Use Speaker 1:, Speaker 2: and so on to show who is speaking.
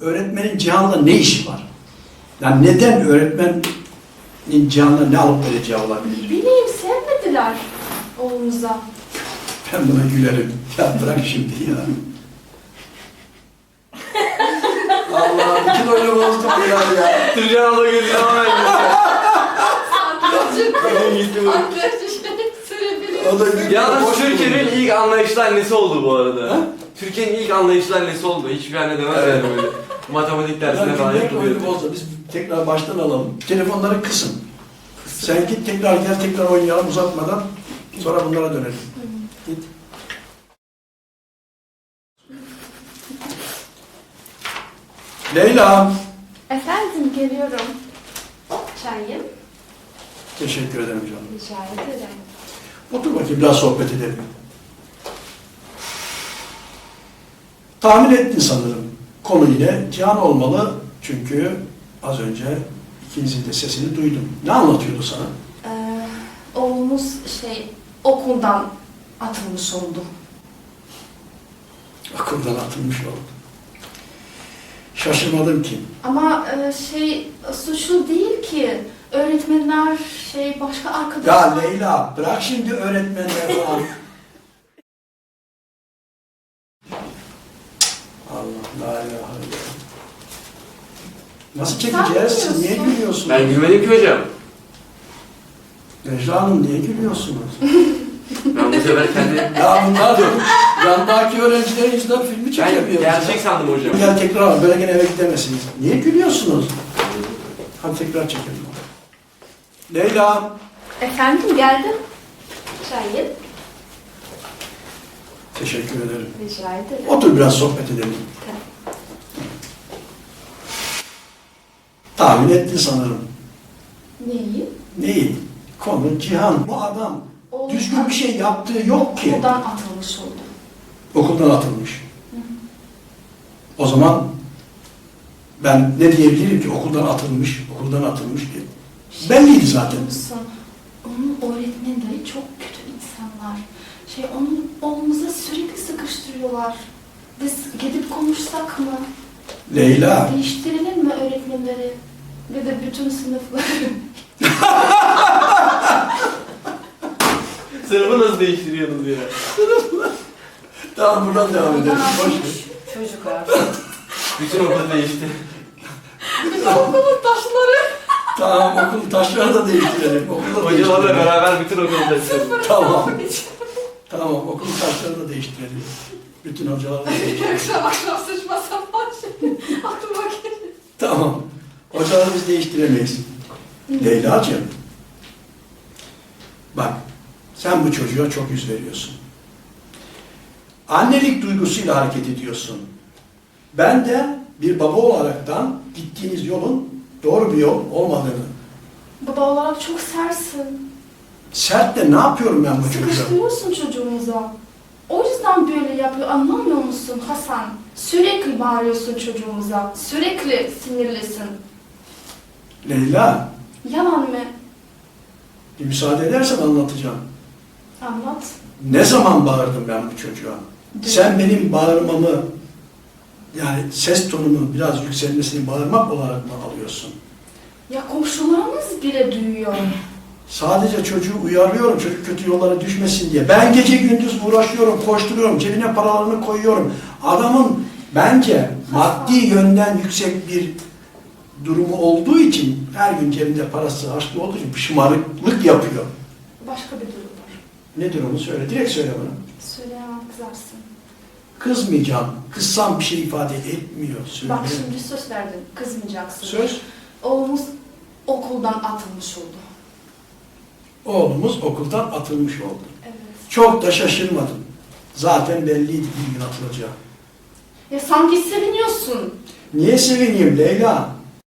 Speaker 1: öğretmenin Cihan'la ne işi var? Yani neden öğretmenin Cihan'la ne alıp vereceği olabilir?
Speaker 2: Bileyim, sevmediler oğlumuza.
Speaker 1: Ben buna gülerim. Ya bırak şimdi ya. Allah, bütün oyunu bozduk ya.
Speaker 3: Türkan abla gözüne hemen
Speaker 1: O da
Speaker 3: Yalnız Türkiye'nin ilk anlayışlı annesi oldu bu arada. Türkiye'nin ilk anlayışlı annesi oldu. Hiçbir anne demez yani böyle. Matematik dersine falan
Speaker 1: oyunu
Speaker 3: yapılıyor.
Speaker 1: bozdu. Biz tekrar baştan alalım. Telefonları kısın. Sen git tekrar oynayalım uzatmadan. Sonra bunlara dönelim. Git. Leyla.
Speaker 2: Efendim, geliyorum. Çayım.
Speaker 1: Teşekkür ederim canım.
Speaker 2: Rica ederim.
Speaker 1: Otur bakayım biraz sohbet edelim. Tahmin ettin sanırım. Konu yine Cihan olmalı. Çünkü az önce ikinizin de sesini duydum. Ne anlatıyordu sana?
Speaker 2: Oğlumuz okuldan atılmış oldu.
Speaker 1: Okuldan atılmış oldu. Şaşırmadım ki.
Speaker 2: Ama suçlu değil ki. Öğretmenler başka arkadaşlar...
Speaker 1: Ya Leyla bırak şimdi öğretmenler falan. Allah la ilahe illallah. Nasıl çekeceğiz? Siz niye gülüyorsunuz?
Speaker 3: Ben gülmedim ki hocam.
Speaker 1: Necla Hanım niye gülüyorsunuz?
Speaker 3: Ben bu sefer kendi...
Speaker 1: Ya bunlar yandaki öğrencilerin yüzünden filmi
Speaker 3: Ben
Speaker 1: çekemiyoruz.
Speaker 3: gerçek sandım hocam.
Speaker 1: Gel tekrar al, böyle gene eve gidemezsiniz. Niye gülüyorsunuz? Hadi tekrar çekelim. Leyla.
Speaker 2: Efendim, geldim. Çayım.
Speaker 1: Teşekkür ederim.
Speaker 2: Rica ederim.
Speaker 1: Otur biraz sohbet edelim. Tahmin ettin sanırım.
Speaker 2: Neyi?
Speaker 1: Neyi? Konu Cihan. Bu adam
Speaker 2: Oğlum,
Speaker 1: düzgün bir şey yaptığı yok ki.
Speaker 2: okuldan atılmış oldu.
Speaker 1: Okuldan atılmış. O zaman ben ne diyebilirim ki okuldan atılmış diye. Belliydi zaten.
Speaker 2: Musun? Onun öğretmenleri çok kötü insanlar. Onun oğlumuza sürekli sıkıştırıyorlar. Biz gidip konuşsak mı?
Speaker 1: Leyla.
Speaker 2: Değiştirelim mi öğretmenleri? Ve de bütün sınıfları.
Speaker 3: Sınıfı nasıl değiştiriyorsunuz ya?
Speaker 1: Tamam buradan devam edelim. Boş ver.
Speaker 2: Çocuklar.
Speaker 3: Bütün okul değişti.
Speaker 2: Bütün okulun taşları.
Speaker 1: Tamam okul taşları da değiştirelim. Okulu da
Speaker 3: Hocalarla
Speaker 1: değiştirelim.
Speaker 3: beraber bütün okulu taşıdık.
Speaker 1: Tamam. Tamam okul taşları da değiştirelim. Bütün hocaları da değiştirelim.
Speaker 2: akşam sıçma sapan aklıma geliyor.
Speaker 1: Tamam. Hocaları biz değiştiremeyiz. Leyla'cığım. Bak sen bu çocuğa çok yüz veriyorsun. Annelik duygusuyla hareket ediyorsun. Ben de bir baba olaraktan gittiğiniz yolun doğru bir yol olmadığını.
Speaker 2: Baba olarak çok sersin.
Speaker 1: Sert de ne yapıyorum ben bu çocuğa?
Speaker 2: Sıkıştırıyorsun çocuğumuza. O yüzden böyle yapıyor. Anlamıyor musun Hasan? Sürekli bağırıyorsun çocuğumuza. Sürekli sinirlisin.
Speaker 1: Leyla,
Speaker 2: Yalan mı?
Speaker 1: bir müsaade edersen anlatacağım.
Speaker 2: Anlat.
Speaker 1: Ne zaman bağırdım ben bu çocuğa? Sen benim bağırmamı, yani ses tonumu biraz yükselmesini bağırmak olarak mı alıyorsun?
Speaker 2: Ya komşularımız bile duyuyor.
Speaker 1: Sadece çocuğu uyarıyorum, çocuk kötü yollara düşmesin diye. Ben gece gündüz uğraşıyorum, koşturuyorum, cebine paralarını koyuyorum. Adamın bence maddi yönden yüksek bir durumu olduğu için, her gün cebinde parası harçlı olduğu için şımarıklık yapıyor.
Speaker 2: Başka bir durum var.
Speaker 1: Nedir onu söyle, direkt söyle bana.
Speaker 2: Söyleyemem, kızarsın.
Speaker 1: Kızmayacağım, kızsam bir şey ifade etmiyor. Söyle.
Speaker 2: Bak şimdi söz verdin, kızmayacaksın.
Speaker 1: Söz,
Speaker 2: Oğlumuz okuldan atılmış oldu.
Speaker 1: oğlumuz okuldan atılmış oldu.
Speaker 2: Evet.
Speaker 1: Çok da şaşırmadım. Zaten belliydi bir gün atılacağı.
Speaker 2: Ya sanki seviniyorsun.
Speaker 1: Niye sevineyim Leyla?